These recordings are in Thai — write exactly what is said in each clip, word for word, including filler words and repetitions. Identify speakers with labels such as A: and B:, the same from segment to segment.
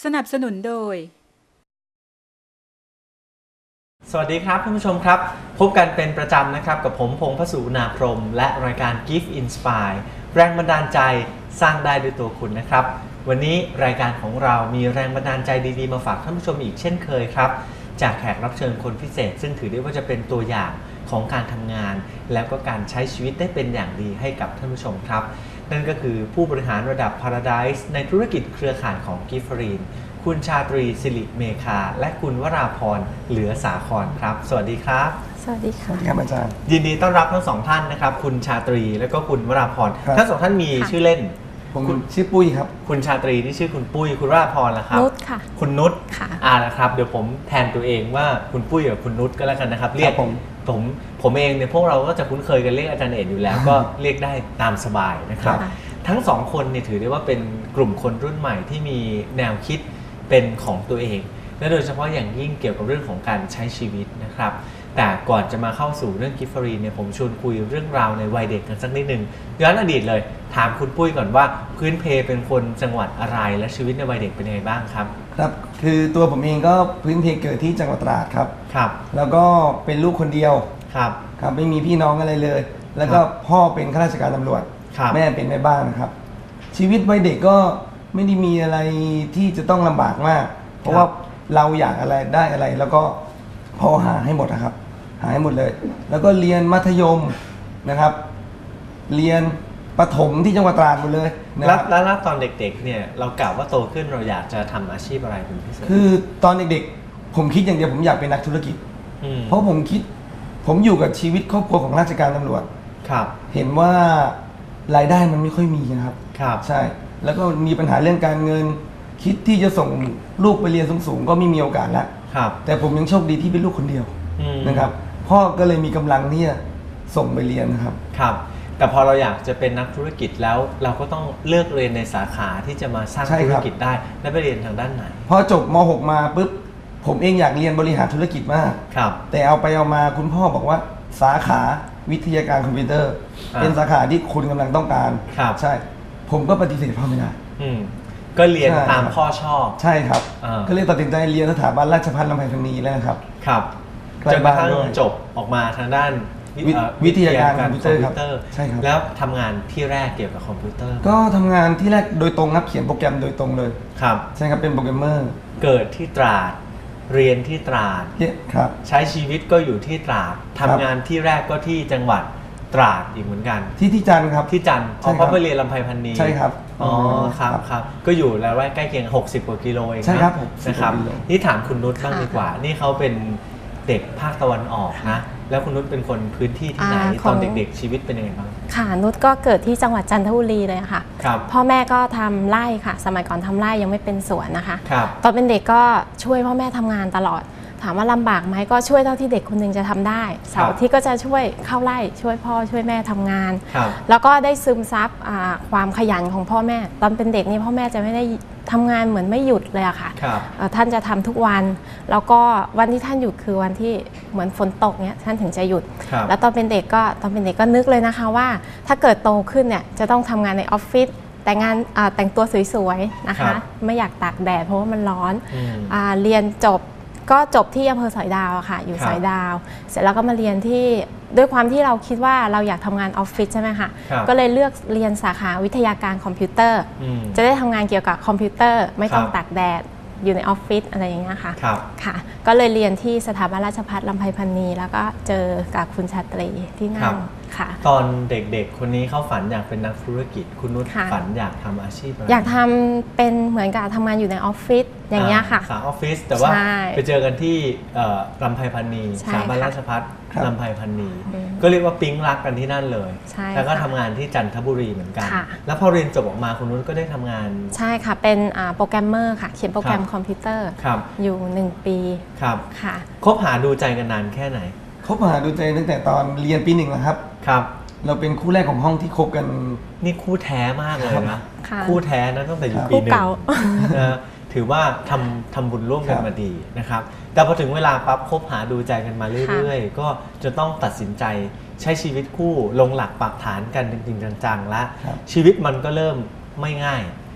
A: สนับสนุนโดย
B: สวัสดีครับท่านผู้ชมครับพบกันเป็นประจำนะครับกับผมพงษ์พสุนาพรหมและรายการ Gift Inspire แรงบันดาลใจสร้างได้ด้วยตัวคุณนะครับวันนี้รายการของเรามีแรงบันดาลใจดีๆมาฝากท่านผู้ชมอีกเช่นเคยครับจากแขกรับเชิญคนพิเศษซึ่งถือได้ว่าจะเป็นตัวอย่างของการทำงานแล้วก็การใช้ชีวิตได้เป็นอย่างดีให้กับท่านผู้ชมครับนั่นก็คือผู้บริหารระดับ Paradise ในธุรกิจเครือข่ายของ Giftmarine คุณชาตรีสิริเมฆาและคุณวราพรเหลือสาครครับสวัสดีครับ
C: สวัสดีค่ะ
D: ครับอาจารย์
B: ยินดีต้อนรับทั้งสองท่านนะครับคุณชาตรีและก็คุณวราพรทั้งสองท่านมีชื่อเล่น
D: ผมชื่อปุ้ยครับ
B: คุณชาตรีที่ชื่อคุณปุ้ยคุณวราพรล่ะครับ
C: นุชค่ะ
B: คุณนุช
C: ค่ะ
B: อ่าละครับเดี๋ยวผมแทนตัวเองว่าคุณปุ้ยกับคุณนุชก็แล้วกันนะครับเรียก
D: ผม
B: ผมผมเองเนี่ยพวกเราก็จะคุ้นเคยกันเรียกอาจารย์เอกอยู่แล้วก็เรียกได้ตามสบายนะครับทั้งสองคนเนี่ยถือได้ว่าเป็นกลุ่มคนรุ่นใหม่ที่มีแนวคิดเป็นของตัวเองและโดยเฉพาะอย่างยิ่งเกี่ยวกับเรื่องของการใช้ชีวิตนะครับแต่ก่อนจะมาเข้าสู่เรื่องกิฟฟรีเนี่ยผมชวนคุยเรื่องราวในวัยเด็กกันสักนิดนึงย้อนอดีตเลยถามคุณปุ้ยก่อนว่าพื้นเพเป็นคนจังหวัดอะไรและชีวิตในวัยเด็กเป็นยังไงบ้างครับ
D: ครับคือตัวผมเองก็พื้นเพเกิดที่จังหวัดตราดครับ
B: ครับ
D: แล้วก็เป็นลูกคนเดียว
B: ครับ
D: ครับไม่มีพี่น้องอะไรเลยแล้วก็พ่อเป็นข้าราชการตำรวจแม่เป็นแม่บ้านนะครับชีวิตวัยเด็กก็ไม่ได้มีอะไรที่จะต้องลำบากมากเพราะว่าเราอยากอะไรได้อะไรแล้วก็พ่อหาให้หมดนะครับหาให้หมดเลยแล้วก็เรียนมัธยมนะครับเรียนประถมที่จังหวัดตราดหมดเลย
B: แล้วแล้วตอนเด็กๆเนี่ยเรากล่าวว่าโตขึ้นเราอยากจะทำอาชีพอะไรเป็นพิเศษ
D: คือตอนเด็กๆผมคิดอย่างเดียวผมอยากเป็นนักธุรกิจเพราะผมคิดผมอยู่กับชีวิตครอบครัวของราชการตำรวจ
B: ครับ
D: เห็นว่ารายได้มันไม่ค่อยมีนะครับ
B: ครับ
D: ใช่แล้วก็มีปัญหาเรื่องการเงินคิดที่จะส่งลูกไปเรียนสูงๆก็ไม่มีโอกาสแล้วแต่ผมยังโชคดีที่เป็นลูกคนเดียวนะครับพ่อก็เลยมีกำลังที่จะส่งไปเรียนนะครับ
B: ครับแต่พอเราอยากจะเป็นนักธุรกิจแล้วเราก็ต้องเลือกเรียนในสาขาที่จะมาสร้างธุรกิจได้และไปเรียนทางด้านไหน
D: พอจบม หก มาปุ๊บผมเองอยากเรียนบริหารธุรกิจมากแต่เอาไปเอามาคุณพ่อบอกว่าสาขาวิทยาการคอมพิวเตอร์เป็นสาขาที่คุณกำลังต้องการใช่ผมก็ปฏิเสธพ่อไม่ได้
B: ก็เรียนตามพ่อชอบ
D: ใช่ครับก็เลยตัดสินใจเรียนสถาบันราชภัฏลำไพพรรณีแล้วครับ
B: ครับจนกระทั่งจบออกมาทางด้าน
D: วิทยาการคอมพิวเตอร์ครับ
B: ใช่ครับแล้วทำงานที่แรกเกี่ยวกับคอมพิวเตอร์
D: ก็ทำงานที่แรกโดยตรงครับเขียนโปรแกรมโดยตรงเลย
B: ครับ
D: ใช่ครับเป็นโปรแกรมเมอร์
B: เกิดที่ตราดเรียนที่ตราด
D: ครับ
B: ใช้ชีวิตก็อยู่ที่ตราดทำงานที่แรกก็ที่จังหวัดตราดอีกเหมือนกัน
D: ที่ที่จันทร์ครับ
B: ที่จันทร์เพราะไปเรียนลำไพพรรณี
D: ใช่ครับ
B: อ๋อครับครับก็อยู่แล้วใกล้เคียงหกสิบกว่ากิโลเอง
D: ใช่ครับ
B: นะครับนี่ถามคุณนุชบ้างดีกว่านี่เขาเป็นเด็กภาคตะวันออกนะแล้วคุณนุชเป็นคนพื้นที่ที่ไหนตอนเด็กๆชีวิตเป็นยังไงบ้าง
C: ค่ะนุชก็เกิดที่จังหวัดจันทบุรีเลยค่ะ
B: ครับ
C: พ่อแม่ก็ทำไร่ค่ะสมัยก่อนทำไร่ยังไม่เป็นสวนนะคะ
B: ครับ
C: ตอนเป็นเด็กก็ช่วยพ่อแม่ทำงานตลอดถามว่าลำบากไหมก็ช่วยเท่าที่เด็กคนหนึ่งจะทำได้เสาร์ที่ก็จะช่วยเข้าไร่ช่วยพ่อช่วยแม่ทำงานแล้วก็ได้ซึมซับความขยันของพ่อแม่ตอนเป็นเด็กนี่พ่อแม่จะไม่ได้ทำงานเหมือนไม่หยุดเลยอะค่ะท่านจะทำทุกวันแล้วก็วันที่ท่านหยุดคือวันที่เหมือนฝนตกเนี้ยท่านถึงจะหยุดแล้วตอนเป็นเด็กก็ตอนเป็นเด็กก็นึกเลยนะคะว่าถ้าเกิดโตขึ้นเนี่ยจะต้องทำงานในออฟฟิศแต่งงานแต่งตัวสวยๆนะคะไม่อยากตากแดดเพราะว่ามันร้อนเรียนจบก็จบที่อำเภอสอยดาวค่ะอยู่สอยดาวเสร็จแล้วก็มาเรียนที่ด้วยความที่เราคิดว่าเราอยากทำงานออฟฟิศใช่ไหมคะก็เลยเลือกเรียนสาขาวิทยาการคอมพิวเตอร์จะได้ทำงานเกี่ยวกับคอมพิวเตอร์ไม่ต้องตากแดดอยู่ในออฟฟิศอะไรอย่างเงี้ยค่ะค่ะก็เลยเรียนที่สถาบันราชภัฏลำไพพรรณีแล้วก็เจอกับคุณชาตรีที่นั่นค่ะ
B: ตอนเด็กๆคนนี้เขาฝันอยากเป็นนักธุรกิจคุณนุชฝันอยากทำอาชีพอะไร
C: อยากทำเป็นเหมือนกับทำงานอยู่ในออฟฟิศอย่างเงี้ยค่ะ
B: สาออฟฟิศแต่ว่าไปเจอกันที่ลำไพพรรณีสถาบันราชภัฏลำไพพรรณีก็เรียกว่าปิ๊งรักกันที่นั่นเลยแล้วก็ทำงานที่จันทบุรีเหมือนกันแล้วพอเรียนจบออกมาคุณนุชก็ได้ทำงาน
C: ใช่ค่ะเป็นโปรแกรมเมอร์ค่ะเขียนโปรแกรมคอมพิวเตอร์อยู่หนึ่งปี
B: ครับ
C: ค่ะ
B: คบหาดูใจกันนานแค่ไหน
D: คบหาดูใจตั้งแต่ตอนเรียนปีหนึ่งแล้วครับ
B: ครับ
D: เราเป็นคู่แรกของห้องที่คบกัน
B: นี่คู่แท้มากเลยนะคู่แท้นะตั้งแต่อยู่ปีหนึ่งนะถือว่าทำทำบุญร่วมกันมาดีนะครับแต่พอถึงเวลาปั๊บคบหาดูใจกันมาเรื่อยๆก็จะต้องตัดสินใจใช้ชีวิตคู่ลงหลักปักฐานกันจริงๆจังๆแล้วชีวิตมันก็เริ่มไม่ง่าย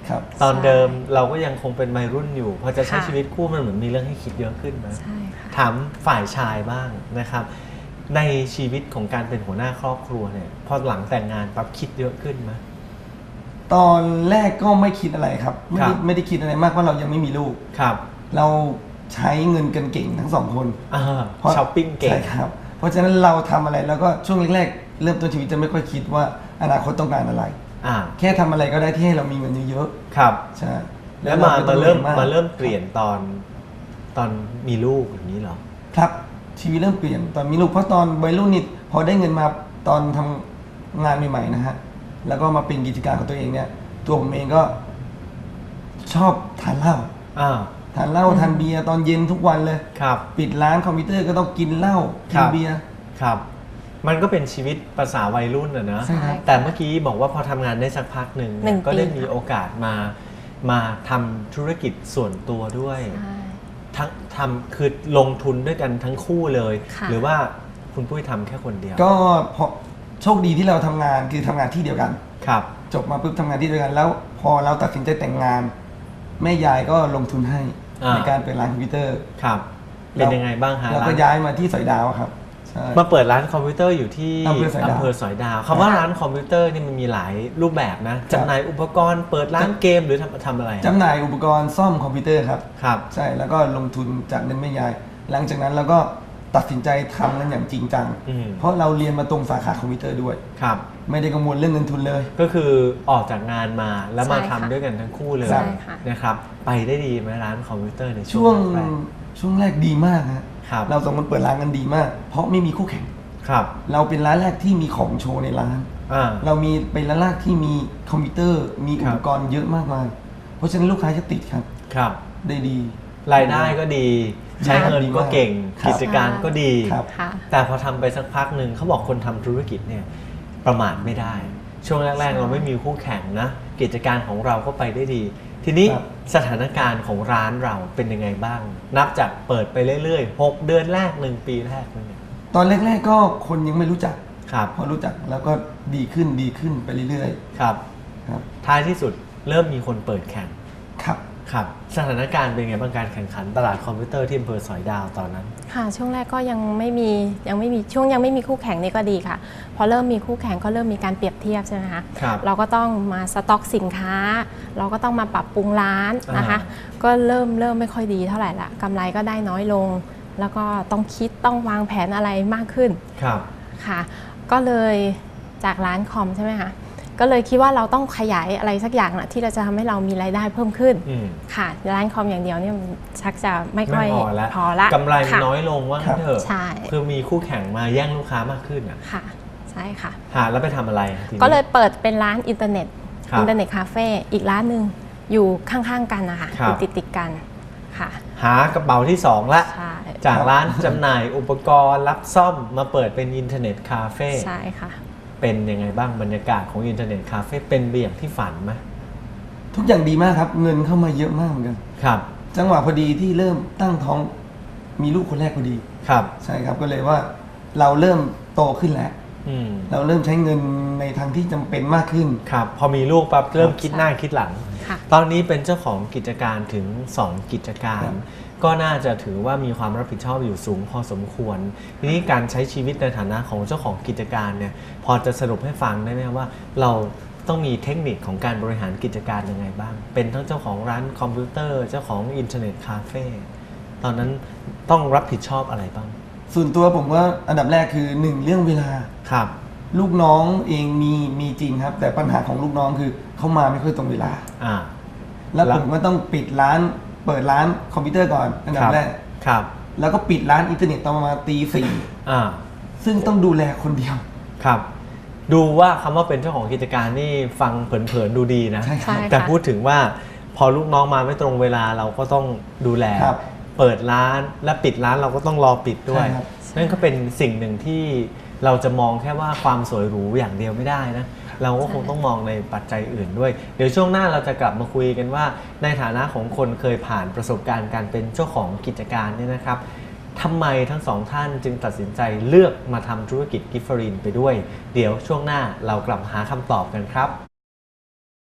D: ครับ
B: ตอนเดิมเราก็ยังคงเป็นวัยรุ่นอยู่พอจะใช้
C: ค่ะ
B: ชีวิตคู่มันเหมือนมีเรื่องให้คิดเยอะขึ้นนะ
C: ใช่ค่ะ
B: ถามฝ่ายชายบ้างนะครับ ในชีวิตของการเป็นหัวหน้าครอบครัวเนี่ยพอหลังแต่งงานปั๊บคิดเยอะขึ้นไหม
D: ตอนแรกก็ไม่คิดอะไรครับ ไม่
B: ครั
D: ได้
B: บ
D: ไม่ได้คิดอะไรมากเพราะเรายังไม่มีลูก
B: ครับ
D: เราใช้เงินกันเก่งทั้งสองคน
B: อ่า
D: เพราะ
B: ช้อปปิ้งเก่ง
D: ใช่ครับ เพราะฉะนั้นเราทำอะไรแล้วก็ช่วงแรกๆเริ่มต้นชีวิตจะไม่ค่อยคิดว่าอนาคตต้องการอะไร
B: อ่า
D: แค่ทำอะไรก็ได้ที่ให้เรามีเงินเยอะ
B: ครับ
D: ๆใช่
B: แล้วมา
D: ไต้
B: มา
D: อง
B: เริ่ม
D: หนื่อยก
B: มาเริ่มเปลี่ยนตอนตอนมีลูกอย่างนี้เหรอ
D: ครับชีวิตเริ่มเปลี่ยนตอนมีลูกเพราะตอนวัยรุ่นนี่พอได้เงินมาตอนทำงานใหม่ๆนะฮะแล้วก็มาเป็นกิจการของตัวเองเนี่ยตัวผมเองก็ชอบทานเหล้า
B: อ่า
D: ทานเหล้าทานเบียร์ตอนเย็นทุกวันเลย
B: ครับ
D: ปิดร้านคอมพิวเตอร์ก็ต้องกินเหล้ากิ
B: ครั
D: น
B: บ
D: เบียร์
B: ครับ มันก็เป็นชีวิตภาษาวัยรุ่นอะนะ
D: ใช่ครับ
B: แต่เมื่อกี้บอกว่าพอทำงานได้สักพักหนึ่ง
C: หนึ่ง
B: ก็ได้
C: ปี
B: มี
C: ค่ะ
B: โอกาสมามาทำธุรกิจส่วนตัวด้วย
C: ใช่
B: ทั้งทำคือลงทุนด้วยกันทั้งคู่เลย
C: ค่ะ
B: หรือว่าคุณปุ้ยทำแค่คนเดียว
D: ก็พอโชคดีที่เราทำงานคือทำงานที่เดียวกัน
B: ครับ
D: จบมาปุ๊บทำงานที่เดียวกัน แล้วพอเราตัดสินใจแต่งงาน แม่ยายก็ลงทุนให้
B: อ่า
D: ในการเปิดร้านคอมพิวเตอร์
B: ครับ เป็นยังไงบ้างฮะ
D: เราก็
B: ร้าน
D: ย้ายมาที่สอยดาวครับใช่
B: มาเปิดร้านคอมพิวเตอร์อยู่ที่
D: อำเภอสอยดาว
B: อำเภอสอยดาวคำว่าร้านคอมพิวเตอร์นี่มันมีหลายรูปแบบนะจำหน่ายอุปกรณ์เปิดร้านเกมหรือทำทำอะไร
D: จำหน่ายอุปกรณ์ซ่อมคอมพิวเตอร์ครับ
B: ครับ
D: ใช่แล้วก็ลงทุนจากเงินแม่ยาย หลังจากนั้นเราก็ตัดสินใจทำกันอย่างจริงจัง
B: อืม
D: เพราะเราเรียนมาตรงสาขาคอมพิวเตอร์ด้วย
B: ครับ
D: ไม่ได้กังวลเรื่องเงินทุนเลย
B: ก็คือออกจากงานมาแล้วมา
C: ใช่
B: ทำ
C: ค่ะ
B: ด้วยกันทั้งคู่เลย
D: ใช่
C: ค่ะ
B: นะครับ ไปได้ดีไหมร้านคอมพิวเตอร์ในช่
D: ช่
B: ว
D: ว
B: ง
D: ง
B: แรก
D: ช่วงแรกดีมากฮะ
B: ครับ
D: เราสองคนเปิดร้านกันดีมาก เพราะไม่มีคู่แข่ง
B: ครับ
D: เราเป็นร้านแรกที่มีของโชว์ในร้าน
B: อ่า
D: เรามีเป็นร้านแรกที่มีคอมพิวเตอร์ มี
B: ครับ
D: อุปกรณ์เยอะมากมาย เพราะฉะนั้นลูกค้าจะติดครับ
B: ครับ
D: ได้ดี
B: รายได้ก็ดี ใช้เงินก็เก่ง
D: ครับ
B: กิจการก็ดี
D: ครับ
C: ค่ะ
B: แต่พอทำไปสักพักหนึ่งเขาบอกคนทำธุรกิจเนี่ยประมาทไม่ได้ ช่วงแรก
C: ใช่
B: ๆ เราไม่มีคู่แข่งนะ กิจการของเราก็ไปได้ดี ทีนี้
D: ครับ
B: สถานการณ์ของร้านเราเป็นยังไงบ้าง นับจากเปิดไปเรื่อยๆหกเดือนแรกหนึ่งปีแรกเนี่ย
D: ตอนแรกๆก็คนยังไม่รู้จัก
B: ครับ
D: พอรู้จักแล้วก็ดีขึ้นดีขึ้นไปเรื่อย
B: ครับ
D: ๆครับ
B: ท้ายที่สุดเริ่มมีคนเปิดแข่ง
D: ครับ
B: ครับสถานการณ์เป็นไงบ้างการแข่งขันตลาดคอมพิวเตอร์ที่อำเภอสอยดาวตอนนั้น
C: ค่ะช่วงแรกก็ยังไม่มียังไม่มีช่วงยังไม่มีคู่แข่งนี่ก็ดีค่ะพอเริ่มมีคู่แข่งก็เริ่มมีการเปรียบเทียบใช่ไหมคะ
B: ครับ
C: เราก็ต้องมาสต็อกสินค้า เราก็ต้องมาปรับปรุงร้านนะคะ
B: อ่
C: ก็เริ่มเริ่มไม่ค่อยดีเท่าไหร่ละกำไรก็ได้น้อยลง แล้วก็ต้องคิดต้องวางแผนอะไรมากขึ้น
B: ครับ
C: ค่ะ ก็เลยจากร้านคอมใช่ไหมคะก็เลยคิดว่าเราต้องขยายอะไรสักอย่างนะที่เราจะทำให้เรามีรายได้เพิ่มขึ้น
B: อืม
C: ค่ะร้านคอมอย่างเดียวเนี่ยมันชักจะไม่ค่
B: ไม่
C: อย
B: พอแล้ว
C: พอละ
B: กำไรมัน
C: ค่ะ
B: น้อยลงว่างั้นเถอะ
C: ใช่
B: คือมีคู่แข่งมาแย่งลูกค้ามากขึ้นอ่ะ
C: ค่ะใช่ค่ะ
B: หาแล้วไปทำอะไรทีนี้
C: ก็เลยเปิดเป็นร้านอินเทอร์เน็ต
B: ครับ
C: อินเทอร์เน็ตคาเฟ่อีกร้านหนึ่งอยู่ข้างๆกันนะคะ
B: ครั
C: อบ ยู่ติดติดๆกันค่ะ
B: หากระเป๋าที่สองละ
C: ใช่
B: จากร้านจำหน่ายอุปกรณ์รับซ่อมมาเปิดเป็นอินเทอร์เน็ตคาเฟ่
C: ใช่ค่ะ
B: เป็นยังไงบ้างบรรยากาศของอินเทอร์เน็ตคาเฟ่เป็นไปอย่างที่ฝันไหม
D: ทุกอย่างดีมากครับ เงินเข้ามาเยอะมากเหมือนกัน
B: ครับ
D: จังหวะพอดีที่เริ่มตั้งท้องมีลูกคนแรกพอดี
B: ครับ
D: ใช่ครับก็เลยว่าเราเริ่มโตขึ้นแล้ว
B: อืม
D: เราเริ่มใช้เงินในทางที่จำเป็นมากขึ้น
B: ครับพอมีลูกปั๊บเริ่มคิดหน้าคิดหลัง
C: ค่ะ
B: ตอนนี้เป็นเจ้าของกิจการถึงสองกิจการ
D: ครับ
B: ก็น่าจะถือว่ามีความรับผิดชอบอยู่สูงพอสมควร ทีนี้การใช้ชีวิตในฐานะของเจ้าของกิจการเนี่ยพอจะสรุปให้ฟังได้ไหมว่า เราต้องมีเทคนิคของการบริหารกิจการยังไงบ้าง เป็นทั้งเจ้าของร้านคอมพิวเตอร์เจ้าของอินเทอร์เน็ตคาเฟ่ตอนนั้นต้องรับผิดชอบอะไรบ้าง
D: ส่วนตัวผมว่าอันดับแรกคือหนึ่งเรื่องเวลา
B: ครับ
D: ลูกน้องเองมีมีจริงครับ แต่ปัญหาของลูกน้องคือเขามาไม่ค่อยตรงเวลา
B: อ่า
D: แล้ว
B: แล้ว
D: ผมก็ต้องปิดร้านเปิดร้านคอมพิวเตอร์ก่อนอันดับแรก
B: ครับ
D: แล้วก็ปิดร้านอินเทอร์เน็ตตอนประมาณตีสี่
B: อ่า
D: ซึ่งต้องดูแลคนเดียว
B: ครับ ดูว่าคำว่าเป็นเจ้าของกิจการนี่ฟังเผินๆดูดีนะ
D: ใช่ครับ
C: ใช่
B: แต่
C: ค่ะ
B: พูดถึงว่าพอลูกน้องมาไม่ตรงเวลาเราก็ต้องดูแล
D: ครับ
B: เปิดร้านและปิดร้านเราก็ต้องรอปิดด้วย
D: ใช่ครับ
B: นั่นก็เป็นสิ่งหนึ่งที่เราจะมองแค่ว่าความสวยหรูอย่างเดียวไม่ได้นะ เราก็คงต้องมองในปัจจัยอื่นด้วย เดี๋ยวช่วงหน้าเราจะกลับมาคุยกันว่า ในฐานะของคนเคยผ่านประสบการณ์การเป็นเจ้าของกิจการเนี่ยนะครับทำไมทั้งสองท่านจึงตัดสินใจเลือกมาทำธุรกิจกิฟฟรินไปด้วย เดี๋ยวช่วงหน้าเรากลับมาหาคำตอบกันครับ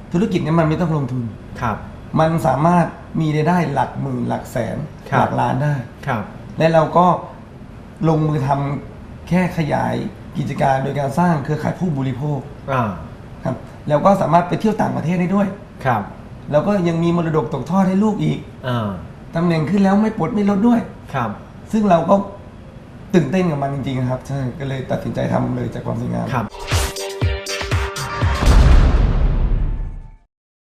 D: ธุรกิจเนี้มันไม่ต้องลงทุน
B: ครับ
D: มันสามารถมีรายได้หลักหมื่นหลักแสนหลักล้านได้
B: ครับ
D: และเราก็ลงมือทำแค่ขยายกิจการโดยการสร้างเครือข่ายผู้บริโภคครับแล้วก็สามารถไปเที่ยวต่างประเทศได้ด้วย
B: ครับ
D: แล้วก็ยังมีมรดกตกทอดให้ลูกอีก
B: อ
D: ตำแหน่งขึ้นแล้วไม่ปลดไม่ลดด้วย
B: ครับ
D: ซึ่งเราก็ตื่นเต้นกับมันจริงๆครับใช่ก็เลยตัดสินใจทำเลยจากความสวยงาม
B: ครับ